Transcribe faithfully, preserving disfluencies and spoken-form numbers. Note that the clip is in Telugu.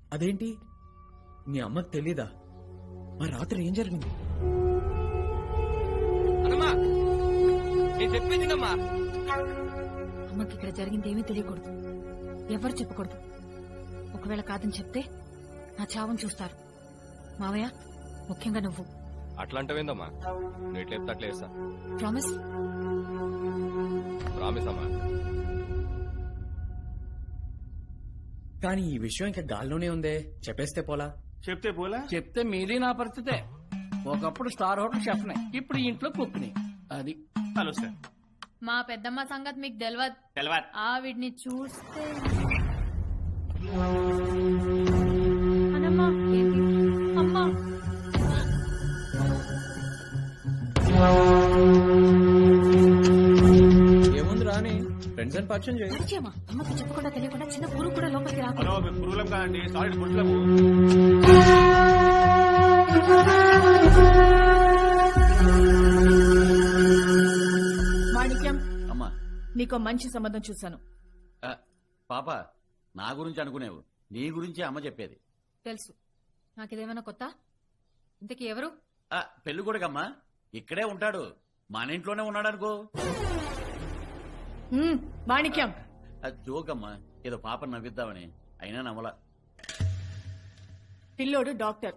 అదేంటి మీ అమ్మకు తెలీదా? మరి రాత్రి ఏం జరిగింది? అమ్మకి ఇక్కడ జరిగింది ఏమీ తెలియకూడదు, ఎవరు చెప్పకూడదు. ఒకవేళ కాదని చెప్తే నా చావును చూస్తారు. మావయ్య, ముఖ్యంగా నువ్వు. అట్లాంటివేందమ్మా? నువ్వు ఎట్లా చెప్తే అట్లా చేస్తా. ప్రామిస్? ప్రామిస్ అమ్మా. కానీ ఈ విషయం ఇంకా గాల్లోనే ఉందే, చెప్పేస్తే పోలా? చెప్తే పోలా? చెప్తే మీది నా పరిస్థితే. ఒకప్పుడు స్టార్ హోటల్ షెఫ్నే, ఇప్పుడు ఈ ఇంట్లో కుక్ని. అది హలో సార్. మా పెద్దమ్మ సంగతి మీకు తెలియదు. తెలవాలి. ఆవిడ్ని చూస్తే అమ్మా ఏముంది రాని ఫ్రెండ్స్ అని పరిచయం చేయి. పరిచయమా? అమ్మకి చెప్పకుండా తెలియకుండా చిన్న పురుగు కూడా లోపలికి రాకు. హలో, మేము పురుగులం కాదండి, సారీ గుడ్లము. మాణిక్యం, అమ్మా. నీకో మంచి సంబంధం చూశాను. ఆ, పాప నా గురించి అనుకునేవు, నీ గురించి అమ్మ చెప్పేది. తెలుసు. నాకిదేమైనా కొత్త? ఇంతకీ ఎవరు? ఆ, పెళ్లి కొడుకమ్మా, ఇక్కడే ఉంటాడు, మన ఇంట్లోనే ఉన్నాడు అనుకో. హ్మ్, మాణిక్యం, అది జోకమ్మా, ఏదో పాప నవ్విద్దామని, అయినా నమ్మలా. పిల్లోడు డాక్టర్,